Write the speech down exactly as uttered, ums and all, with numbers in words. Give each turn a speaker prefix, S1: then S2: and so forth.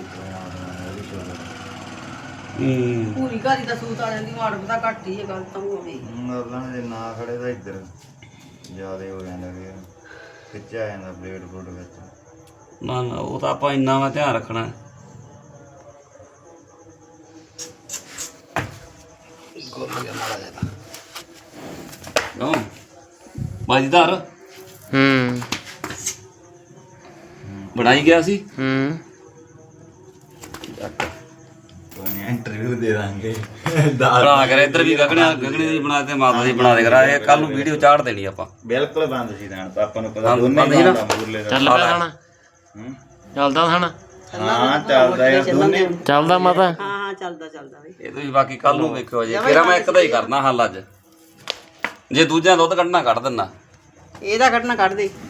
S1: ਹੂੰ
S2: ਪੂਰੀ ਘਾਰੀ ਦਾ ਸੂਤ ਵਾਲਿਆਂ ਦੀ ਮਾੜ ਪਤਾ ਘੱਟ ਹੀ ਹੈ ਗੱਲ ਤਾਂ ਹੋਵੇ
S3: ਉਹਨਾਂ ਦੇ ਨਾ ਖੜੇ ਤਾਂ ਇੱਧਰ ਜ਼ਿਆਦਾ ਹੋ ਜਾਂਦਾ ਕਿ ਖਿੱਚਿਆ ਜਾਂਦਾ ਬਲੇਡ ਬਲੂਡ ਵਿੱਚ।
S1: ਨਾ ਨਾ ਉਹ ਤਾਂ ਆਪਾਂ ਇੰਨਾ ਵਾ ਧਿਆਨ ਰੱਖਣਾ। ਕਿਉਂ ਬਾਜੀਦਾਰ
S4: ਹੂੰ
S1: ਬਣਾਈ ਗਿਆ ਸੀ।
S4: ਹੂੰ
S3: ਕੋਈ ਇੰਟਰਵਿਊ ਦੇ ਦਾਂਗੇ
S1: ਬਣਾ ਕਰ ਇੱਧਰ ਵੀ ਗਗਣਿਆ ਗਗਣੇ ਦੀ ਬਣਾ ਤੇ ਮਾਤਾ ਦੀ ਬਣਾ ਦੇ ਕਰਾ ਇਹ ਕੱਲ ਨੂੰ ਵੀਡੀਓ ਚਾੜ ਦੇਣੀ ਆਪਾਂ।
S3: ਬਿਲਕੁਲ ਬੰਦ ਸੀ ਤਾਂ ਆਪਾਂ ਨੂੰ ਪਤਾ
S1: ਬੰਦ-
S3: ਦੋਨੇ
S1: ਬੰਦ ਸੀ ਨਾ?
S3: ਬੰਦ ਆ ਮੂਰਲੇ ਦਾ।
S4: ਚੱਲ ਪਿਆ ਖਾਣਾ
S3: ਹੂੰ
S4: ਚੱਲਦਾ ਖਾਣਾ
S3: ਹਾਂ ਚੱਲਦਾ ਯਾਰ ਦੋਨੇ
S4: ਚੱਲਦਾ ਮਾਤਾ
S2: ਹਾਂ ਹਾਂ ਚੱਲਦਾ ਚੱਲਦਾ ਬਈ
S1: ਇਹ ਤੁਸੀਂ ਬਾਕੀ ਕੱਲ ਨੂੰ ਵੇਖਿਓ ਜੇ ਕਿਹੜਾ ਮੈਂ ਇੱਕ ਦਾ ਹੀ ਕਰਨਾ ਹੱਲ ਅੱਜ। ਜੇ ਦੂਜਿਆਂ ਦੁੱਧ ਕੱਢਣਾ ਕੱਢ ਦਿੰਨਾ।
S2: ਇਹਦਾ ਕੱਢਣਾ ਕੱਢ ਦੇ